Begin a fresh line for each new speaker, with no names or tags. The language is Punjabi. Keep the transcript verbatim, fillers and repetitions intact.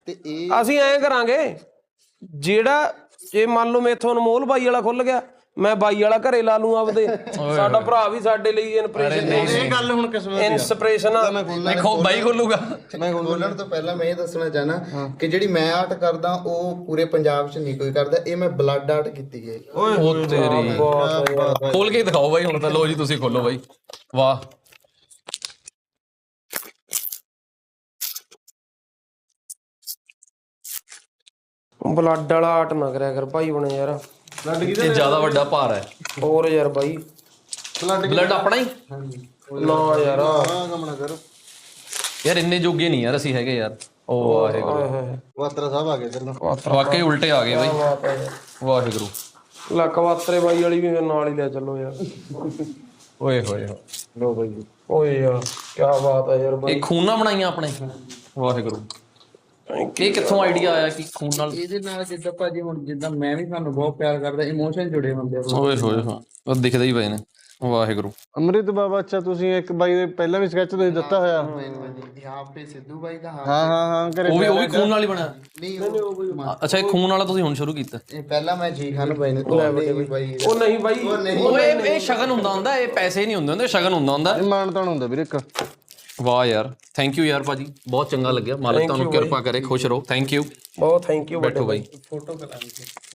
ਤੇ ਇਹ
ਅਸੀਂ ਐਂ ਕਰਾਂਗੇ, ਜਿਹੜਾ ਜੇ ਮੰਨ ਲਓ ਮੇਥੋਂ ਅਨਮੋਲ ਬਾਈ ਵਾਲਾ ਖੁੱਲ ਗਿਆ, ਮੈਂ ਬਾਈ ਵਾਲਾ ਘਰੇ ਲਾ ਲੂੰ ਆਪਦੇ। ਸਾਡਾ ਭਰਾ ਵੀ ਸਾਡੇ ਲਈ ਇਨਸਪੀਰੇਸ਼ਨ
ਇਹ ਗੱਲ ਹੁਣ ਕਿਸਮਤ ਦੀ
ਇਨਸਪੀਰੇਸ਼ਨ ਆ।
ਦੇਖੋ ਬਾਈ ਖੋਲੂਗਾ।
ਮੈਂ ਬੋਲਣ ਤੋਂ ਪਹਿਲਾਂ ਮੈਂ ਇਹ ਦੱਸਣਾ ਚਾਹਨਾ ਕਿ ਜਿਹੜੀ ਮੈਂ ਆਰਟ ਕਰਦਾ ਉਹ ਪੂਰੇ ਪੰਜਾਬ 'ਚ ਨਹੀਂ ਕੋਈ ਕਰਦਾ। ਇਹ ਮੈਂ ਬਲੱਡ ਆਰਟ ਕੀਤੀ ਹੈ।
ਉਹ ਤੇਰੀ ਖੋਲ ਕੇ ਦਿਖਾਓ ਬਾਈ ਹੁਣ ਤਾਂ। ਲੋ ਜੀ ਤੁਸੀਂ ਖੋਲੋ ਬਾਈ। ਵਾਹ
ਬਲੱਡ ਵਾਲਾ ਆਰਟ ਨਾ ਕਰਿਆ ਕਰ ਭਾਈ ਬਣੇ ਯਾਰ,
ਇਹ ਜ਼ਿਆਦਾ ਵੱਡਾ ਭਾਰ ਹੈ।
ਹੋਰ ਯਾਰ ਬਾਈ
ਬਲੱਡ ਆਪਣਾ ਹੀ
ਨਾ ਯਾਰ।
ਆਹ ਕੰਮ ਨਾ ਕਰੋ।
ਯਾਰ ਇੰਨੇ ਜੋਗੇ ਨਹੀਂ ਯਾਰ ਅਸੀਂ ਹੈਗੇ ਯਾਰ। ਉਹ ਵਾਹਿਗੁਰੂ,
ਵਾਤਰਾ ਸਾਹਿਬ ਆ ਗਏ ਇੱਧਰ ਨੂੰ।
ਵਾਕਈ ਉਲਟੇ ਆ ਗਏ ਬਾਈ।
ਬਾਤ ਹੈ
ਵਾਹਿਗੁਰੂ।
ਲੈ ਕਵਾਤਰੇ ਬਾਈ ਵਾਲੀ ਵੀ ਮੇਰੇ ਨਾਲ ਹੀ ਲੈ ਚੱਲੋ ਯਾਰ।
ਓਏ ਹੋਏ ਹੋਏ।
ਲੋ ਬਾਈ ਓਏ ਯਾਰ ਕੀ ਬਾਤ ਹੈ ਯਾਰ ਬਾਈ।
ਇਹ ਖੂਨ ਨਾਲ ਬਣਾਈਆਂ ਆਪਣੇ। ਵਾਹਿਗੁਰੂ। ਇਹ ਕਿੱਥੋਂ ਆਈਡੀਆ ਆਇਆ ਕਿ ਖੂਨ ਨਾਲ?
ਇਹਦੇ ਨਾਲ ਜਿੱਦਾਂ ਭਾਜੀ ਹੁਣ ਜਿੱਦਾਂ ਮੈਂ ਵੀ ਤੁਹਾਨੂੰ ਬਹੁਤ ਪਿਆਰ ਕਰਦਾ, ਇਮੋਸ਼ਨ ਜੁੜੇ ਹੁੰਦੇ ਆ।
ਓਏ ਹੋਏ ਹੋਏ, ਉਹ ਦਿਖਦੇ ਹੀ ਪਏ ਨੇ। ਵਾਹਿਗੁਰੂ।
ਅੰਮ੍ਰਿਤ ਬਾਬਾ, ਅੱਛਾ ਤੁਸੀਂ ਇੱਕ ਬਾਈ ਦੇ ਪਹਿਲਾਂ ਵੀ ਸਕੈਚ ਤੁਸੀਂ ਦਿੱਤਾ ਹੋਇਆ।
ਹਾਂ ਪੇ ਸਿੱਧੂ ਬਾਈ ਦਾ।
ਹਾਂ ਹਾਂ ਹਾਂ ਘਰੇ
ਉਹ ਵੀ ਉਹ ਵੀ ਖੂਨ ਨਾਲ ਹੀ ਬਣਿਆ?
ਨਹੀਂ ਉਹ
ਅੱਛਾ ਇਹ ਖੂਨ ਵਾਲਾ ਤੁਸੀਂ ਹੁਣ ਸ਼ੁਰੂ ਕੀਤਾ?
ਇਹ ਪਹਿਲਾਂ ਮੈਂ ਜੀ ਖਾਨ ਬਾਈ ਨੇ ਬਾਈ
ਉਹ ਨਹੀਂ ਬਾਈ
ਉਹ ਇਹ ਇਹ ਸ਼ਗਨ ਹੁੰਦਾ ਹੁੰਦਾ, ਇਹ ਪੈਸੇ ਨਹੀਂ ਹੁੰਦੇ ਹੁੰਦੇ, ਸ਼ਗਨ ਹੁੰਦਾ ਹੁੰਦਾ।
ਇਹ ਮਾਣ ਤਾਣ ਹੁੰਦਾ ਵੀਰੇ ਇੱਕ।
ਵਾਹ ਯਾਰ ਥੈਂਕ ਯੂ ਯਾਰ ਭਾਜੀ, ਬਹੁਤ ਚੰਗਾ ਲੱਗਿਆ। ਮਾਲਕ ਤੁਹਾਨੂੰ ਕਿਰਪਾ ਕਰੇ, ਖੁਸ਼ ਰਹੋ। Thank you.
ਬਹੁਤ ਥੈਂਕ ਯੂ
ਬੈਠੋ ਬਾਈ।
ਫੋਟੋ ਕਰਾਂਗੇ।